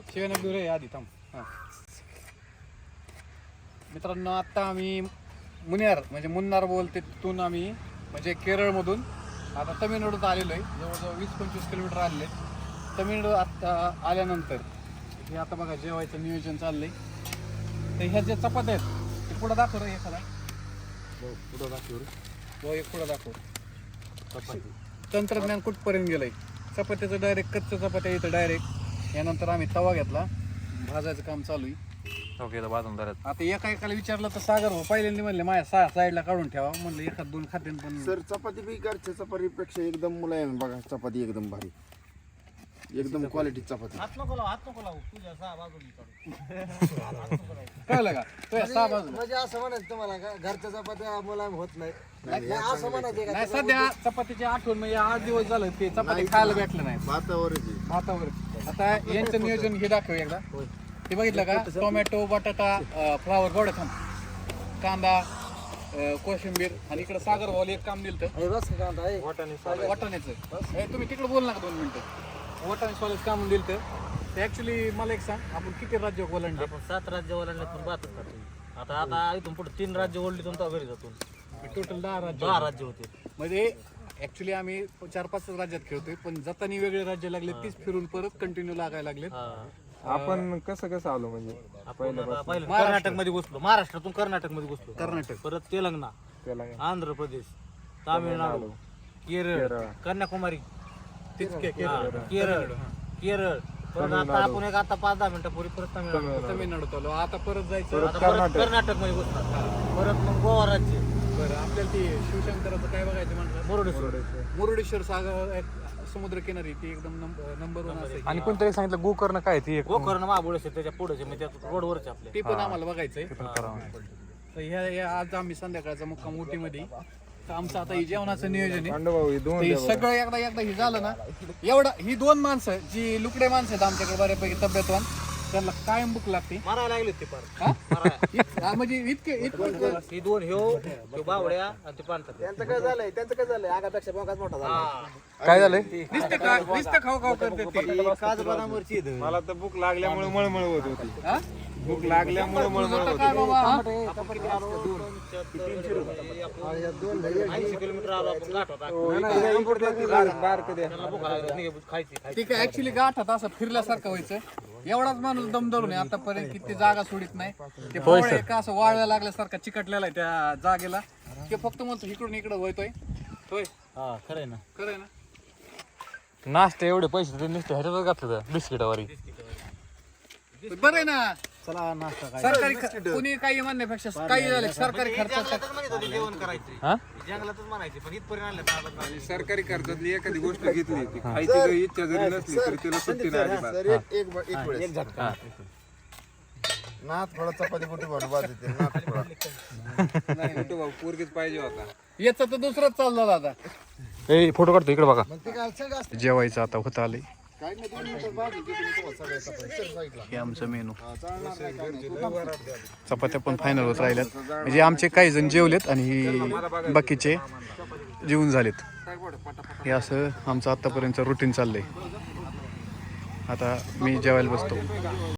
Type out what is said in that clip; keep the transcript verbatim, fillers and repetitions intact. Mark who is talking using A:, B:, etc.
A: शिवाय दूर आहे आधी थांब. हां मित्रांनो आता आम्ही मुन्नार म्हणजे मुन्नार बोलते तिथून आम्ही म्हणजे केरळमधून आता तमिळनाडूत आलेलो आहे. जवळजवळ वीस पंचवीस किलोमीटर आलेले. तमिळनाडू आता आल्यानंतर हे आता बघा जेवायचं नियोजन चाललंय. तर ह्या ज्या चपात्या आहेत ते पुढं दाखव रे एखादा. हो पुढं दाखव रे. हो एक पुढं दाखव. चपाती तंत्रज्ञान कुठपर्यंत गेलंय. चपात्याचं डायरेक्ट कच्चं चपात्या येतं डायरेक्ट. यानंतर आम्ही तवा घेतला. भाजायचं काम चालू आहे. ओके भाजून धरत आता एका एकाला विचारलं तर सागर हो पहिल्यांदा म्हणले माझ्या सहा साईडला काढून ठेवा. म्हणलं एखाद दोन खाद्यान पण
B: सर चपाती बी घरच्या चपातीपेक्षा एकदम मुलायम बघा. चपाती एकदम भारी एकदम क्वालिटी चपाती.
C: हात नको लावू, हात नको लावू. तुझ्या सहा बाजूनी
A: कळलं का तुझ्या सहा बाजू
C: म्हणजे असं म्हणायचं तुम्हाला का घरच्या चपात्या मुलायम होत नाही. असं म्हणायचं
A: नाही सध्या चपातीची आठवण म्हणजे आठ दिवस झालं ते चपाती खायला भेटलं नाही.
B: भातावर
A: भातावर आता यांचं नियोजन हे दाखव एकदा. ते बघितलं का टोमॅटो बटाटा फ्लावर गोडा थांब कांदा कोशिंबीर आणि इकडे सागर भाऊ एक काम दिलं
C: बस कांदा
A: वाटाण्याचं. तुम्ही तिकडे बोल नका दोन मिनिटं. वाटाणे सोलायचं काम दिलं तर ऍक्च्युली मला एक सांग आपण किती राज्य ओलांडले.
C: आपण सात राज्य ओलांडल्यातून बातच करतो. आता आता इथून पुढे तीन राज्य ओढलीतून तो घरी जातो.
A: टोटल दहा राज्य
C: दहा राज्य होते.
A: म्हणजे ऍक्च्युली आम्ही चार पाच राज्यात खेळतोय पण जातानी वेगळे राज्य लागले तीच फिरून परत कंटिन्यू लागायला लागले.
D: आपण कसं कसं आलो म्हणजे
C: आपण पहिलं कर्नाटक मध्ये घुसलो. महाराष्ट्रातून कर्नाटक मध्ये घुसलो.
A: कर्नाटक
C: परत तेलंगणा
D: त्याला
C: आंध्र प्रदेश तामिळनाडू केरळ कन्याकुमारी केरळ केरळ परत आता आपण एक आता पाच दहा मिनिटापूर्वी परत तामिळनाडू
A: तमिळनाडू चालू आता परत जायचं.
C: आता परत कर्नाटक मध्ये घुसणार. परत मग गोवा राज्य.
A: बरं आपल्याला ती शिवशंकराचं काय बघायचं म्हणलं
C: मुरुडेश्वर
A: मुरुडेश्वर सागर समुद्र किनारी ती एकदम नंबर वन असेल.
D: आणि कोणतरी सांगितलं गोकर्ण काय ती एक
C: गोकर्ण महाबळेश्वर त्याच्या पुढे म्हणजे रोडवरच आपले
A: ते पण आम्हाला बघायचंय. तर ह्या ह्या आज आम्ही संध्याकाळचा मुक्काम उटीमध्ये. तर आमचं आता हे जेवणाचं नियोजन आहे. ते सगळं एकदा एकदा हे झालं ना एवढं ही दोन माणसं जी लुकडे माणसं आहेत आमच्याकडे बऱ्यापैकी तब्येतवान त्यांना कायम भूक लागते.
C: मारायला लागले ते पार
A: म्हणजे इतके इतके
C: ही दोन ह्यो ह्यो बावड्या आणि ते पांढरा. त्यांचं काय झालंय त्यांचं काय झालंय आगापेक्षा बोकाच मोठा झाला.
D: काय झालंय
A: नुसते का नुसतं खाऊ खाऊ करते ते.
C: काजू बदामवरची
D: मला तर भूक लागल्यामुळे मळमळ होत होती.
A: हा?
D: भूक लागल्यामुळे मळमळ होत
A: काय बाबा हा?
C: ऐंशी किलोमीटर आलो आपण गाठ होता. खायची
A: ते काय ऍक्च्युली गाठात असं फिरल्यासारखं व्हायचं. एवढाच माणूस दम धरून आहे आतापर्यंत किती जागा सोडित नाही. ते पोळे का असं वाळव्या लागल्यासारखा चिकटलेला आहे त्या जागेला. ते फक्त म्हणतो इकडून इकडं होतोय होय.
C: हा खरंय ना
A: खरंय ना.
D: नाश्ते एवढे पैसे ते नुसते ह्याच्यातच घातले बिस्किटावरी.
A: बरं आहे ना
C: चला नाश्ता काय
A: सरकारी कुणी काही म्हणण्यापेक्षा काही झालं सरकारी खर्चात
C: जेवण करायचे
D: हा
C: जंगलातच म्हणायचे पण इथपर्यंत आणलं.
D: सरकारी खर्चातली एखादी गोष्ट घेतली ती खायची जरी इच्छा जरी नसली तरी तिला सुट्टी नाही अजिबात.
B: सर एक एक एक वेळेस नाथ थोडा चपाती कुठे बनवा बाद येते नाथ थोडा.
D: नाही कुठं भाऊ पोरगीच पाहिजे होता.
A: याचं तर दुसरंच चाललं आता.
D: ए फोटो काढतो इकडे बघा.
B: ते काय सगळं असतं.
A: जेवायचं आता होत आलंय.
B: काय नाही दोन मिनिटं बाद येते तुम्ही तुम्हाला सगळ्या चपाती सर साईडला.
A: हे आमचं मेनू.
B: चालणार नाही काय नाही.
A: चपात्या पण फायनल होत राहिल्यात. म्हणजे आमचे काही जण जेवलेत आणि बाकीचे जेवून झालेत. हे असं आमचं आतापर्यंत रुटीन चाललंय. आता मी जेवायला बसतो.